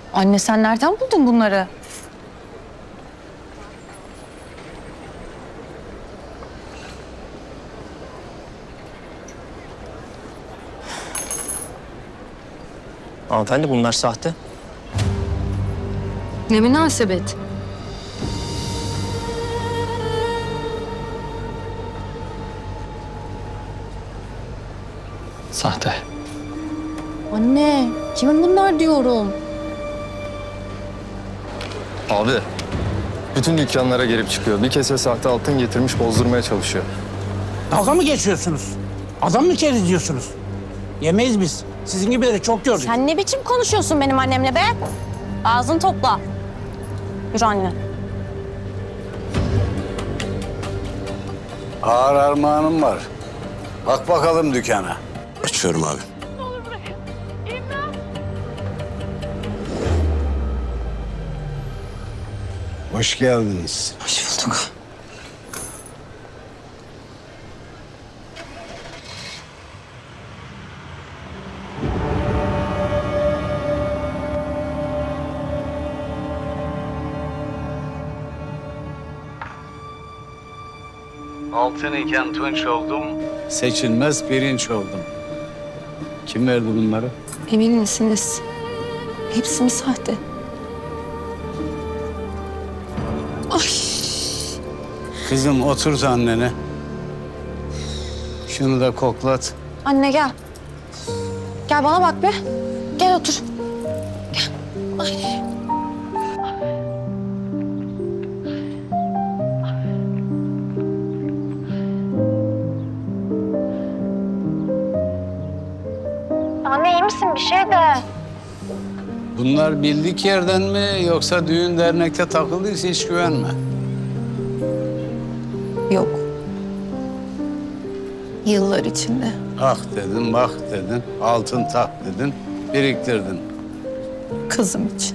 Anne sen nereden buldun bunları? Hanımefendi bunlar sahte. Ne münasebet. Sahte. Anne kimin bunlar diyorum. Abi, bütün dükkanlara girip çıkıyor. Bir kese sahte altın getirmiş bozdurmaya çalışıyor. Dalga mı geçiyorsunuz? Adam mı diyorsunuz? Yemeyiz biz. Sizin gibileri çok gördük. Sen ne biçim konuşuyorsun benim annemle be? Ağzını topla. Yürü anne. Ağır armağanım var. Bak bakalım dükkana. Açıyorum abi. Hoş geldiniz. Hoş bulduk. Altın iken tunç oldum. Seçilmez pirinç oldum. Kim verdi bunları? Emin misiniz? Hepsi mi sahte? Ay. Kızım oturt annene. Şunu da koklat. Anne gel. Gel bana bak be. Gel otur. Gel. Ay. Anne iyi misin? Bir şey de. Bunlar bildik yerden mi yoksa düğün dernekte takıldıysa hiç güvenme. Yok. Yıllar içinde. Ah dedin, bak dedin, altın tak dedin, biriktirdin. Kızım için.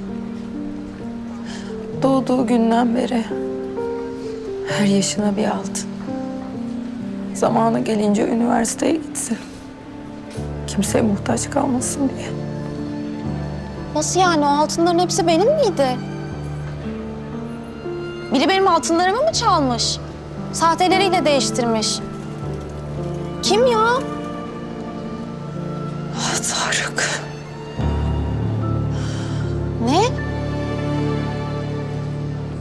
Doğduğu günden beri her yaşına bir altın. Zamanı gelince üniversiteye gitsin. Kimseye muhtaç kalmasın diye. Nasıl yani? O altınların hepsi benim miydi? Biri benim altınlarımı mı çalmış? Sahteleriyle değiştirmiş. Kim ya? Ah Tarık. Ne?